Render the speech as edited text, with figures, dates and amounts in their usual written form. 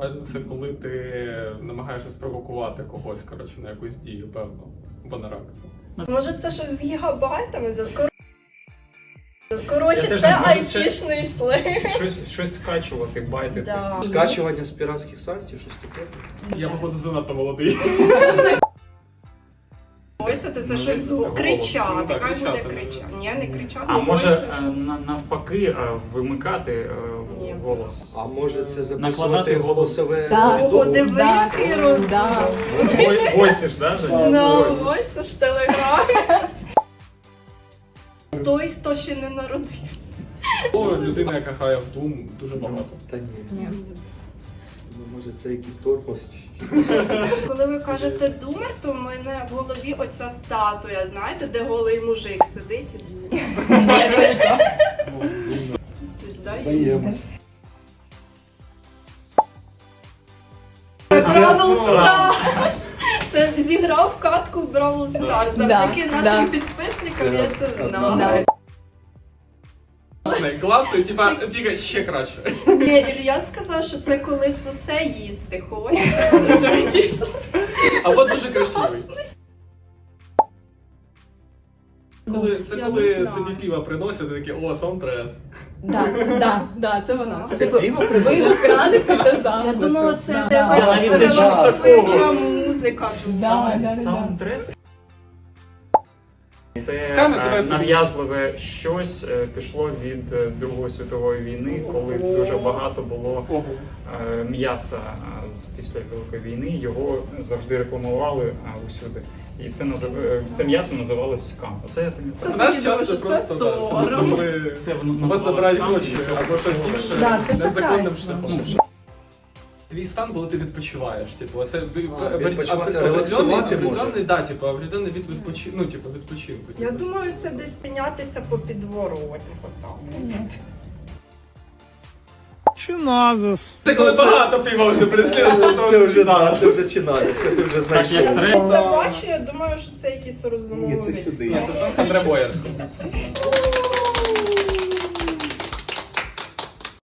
Це коли ти намагаєшся спровокувати когось, коротше, на якусь дію, певно, або на реакцію. Може це щось з гігабайтами? Коротше, теж це не можу айтішний сленг. Щось скачувати, байтити. Да. Скачування з піратських сайтів, щось таке. Я, походу, занадто молодий. Ось це Ну, щось це голос. кричати. Ну, так, Хай буде кричати, кричати. да. Ні, не кричати. А може voice. навпаки вимикати Ні. голос? А може це Накладати записувати голосове Да. Ого, повідомлення? диви, Да. який розум. Да. Войсиш, да, Женя? Ну, Войсиш. ось це ж телеграм. Той, хто ще не народився. О, людина, яка грає в Doom, дуже багато. Та ні. Ні. Ну, може це якийсь торпост. Коли ви кажете думер, то в мене в голові оця статуя, знаєте, де голий мужик сидить. Здаємось. Бравл Старс! Це зіграв катку в Бравл Старс. Завдяки Да, нашим да. підписникам я це Це знала. Да. Класно, типа, тільки ще краще. Ні, Ілля сказав, що це коли сосе їсти хочеться. Або дуже красивий. Це Я коли не знаю. тобі пиво приносять, ти такий, о, саундтрес. Да, це воно. Це Типу, пиво ви вкрадете та Я думала, це Да. якась Я навіть не чув релаксуюча музика. Да. Саундтрес. Це Скаме дивиться. нав'язливе щось пішло від Другої світової війни, коли дуже багато було м'яса після Великої війни. Його завжди рекламували усюди. І це м'ясо називалось скам. Оце я Це пам'ятаю. В наш тоді час думаю, це що просто, це да, це просто сором. коли Це вас забирають гроші або щось інше Да, це незаконним шахрайство. шляхом. Твій стан, коли ти відпочиваєш, типу, це відпочивати, релаксувати може. Да, типу, определенний від відпочинку, ну, типу, відпочинку. Я типу. думаю, це десь піднятися по підворотні. Це коли багато пива вже прислідується, то Це вже да, це починається, ти вже знаєш. Так, як що- треба. Я це бачу, я думаю, що це якісь розумові. Ні, це сюди. Ні, це сам Андре Боярський.